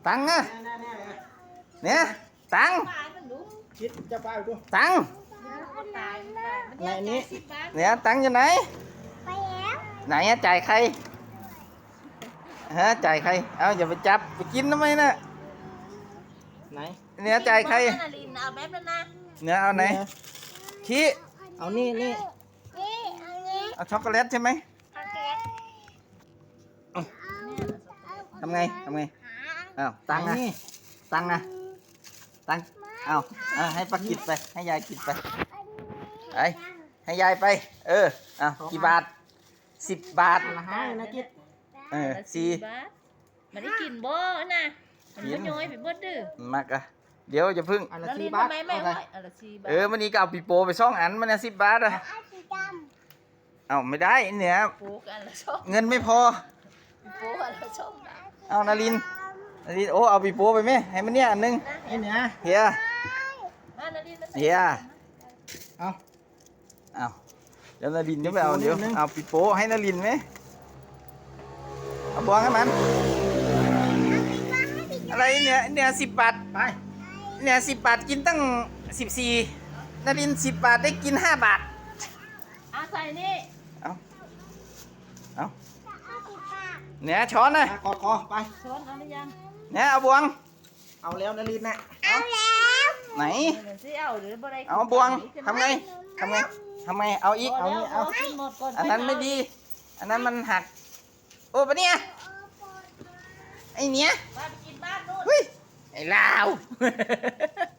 ตังค์นะเนี่ยตังค์คิดจะไปดูตังค์ไหนนี้เนี่ยตังค์อยู่ไหนไปแล้วไหนอะจ่ายใครฮะจ่ายใครเอาอย่าไปจับไปกินทำไมน่ะไหนเนี่ยจ่ายใครเอาแบบนั้นนะเนี่ยเอาไหนชี้เอานี่นี่อันนี้เอาช็อกโกแลตใช่ไหมโอเคทำไงอ้าวตังค์นะนี่ตังค์นะตังค์เอาให้ป้ากินไปให้ยายกินไปไปให้ยายไปเอากี่บาท10 บาทละห้านะคิดสี่บาทมันได้กินบ่นะมันบ่ย้อยไปเบิดดื้อมากอะเดี๋ยวจะพึ่งอันละแล้วสี่ลิ้นบาททำไมไม่เอาไหวไปอันละ4 บาทมันนี้ก็เอาปีโป้ไป2 อันมันเนี่ย10 บาทอะเอาสีดเอาไม่ได้เนี่ยโป๊กอันละ2 เงินไม่พอโป๊กอันละ2 บาทเอานารินโอ้เอาปีโป้ไปไหมให้มันเนี่ยอันหนึงไอ้เนี่ยเฮียมานารินเฮียเอาเอาเดี๋ยวนารินจะไปเอาปีโป้เดี๋ยวนิดนึงเอาปีโป้ให้นารินไหมเอาบวงให้มันอะไรเนี่ย10 บาทไปเนี่ย10 บาทกินตั้ง14นาริน10 บาทได้กิน5 บาทใส่นี่เอาำเอาสีฟ้าเนี่ยช้อนนะกอดคอไปช้อนเอาหรือยังเนี่ยเอาบวงเอาแล้วนารินนะเอาแล้วไหนเดี๋ยวสิเอาหรือบ่ได้เอาบวงทำไงเอาอีกเอานี่เอากินหมดก่อนอันนั้นไม่ดี อันนั้นมันหักโอ้ปะเนี่ยไอเนี้ยไปกินบ้านนู่นเฮ้ยไอ้ลาว